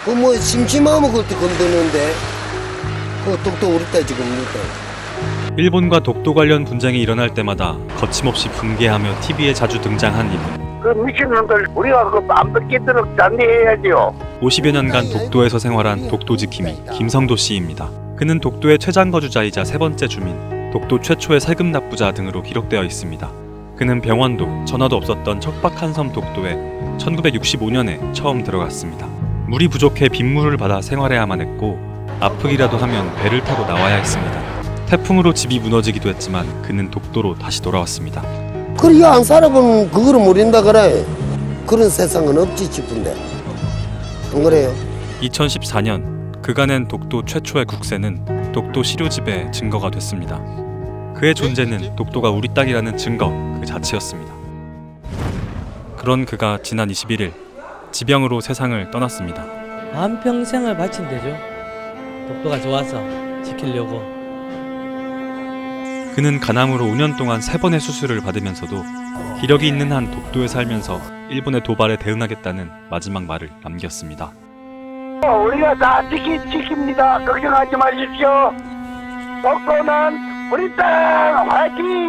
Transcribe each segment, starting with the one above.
그 뭐 심심하면 그때 건드는데 그 독도 우리 딸 지금 우리 딸. 일본과 독도 관련 분쟁이 일어날 때마다 거침없이 분개하며 TV에 자주 등장한 이분. 그 미친놈들 우리가 그안 뺏기도록 단대해야지요. 50여 년간 독도에서 생활한 독도 지킴이 김성도 씨입니다. 그는 독도의 최장거주자이자 세 번째 주민, 독도 최초의 세금 납부자 등으로 기록되어 있습니다. 그는 병원도 전화도 없었던 척박한 섬 독도에 1965년에 처음 들어갔습니다. 물이 부족해 빗물을 받아 생활해야만 했고 아프기라도 하면 배를 타고 나와야 했습니다. 태풍으로 집이 무너지기도 했지만 그는 독도로 다시 돌아왔습니다. 그래 안 살아보면 그거를 모른다 그래. 그런 세상은 없지 싶은데 안 그래요? 2014년 그가 낸 독도 최초의 국세는 독도 시료집의 증거가 됐습니다. 그의 존재는 독도가 우리 땅이라는 증거 그 자체였습니다. 그런 그가 지난 21일 지병으로 세상을 떠났습니다. 한평생을 바친 데죠. 독도가 좋아서 지키려고. 그는 간암으로 5년 동안 3번의 수술을 받으면서도 기력이 있는 한 독도에 살면서 일본의 도발에 대응하겠다는 마지막 말을 남겼습니다. 우리가 다 지킵니다. 걱정하지 마십시오. 독도는 우리 땅 화이팅!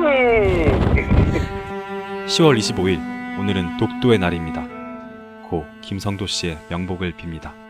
10월 25일 오늘은 독도의 날입니다. 고 김성도 씨의 명복을 빕니다.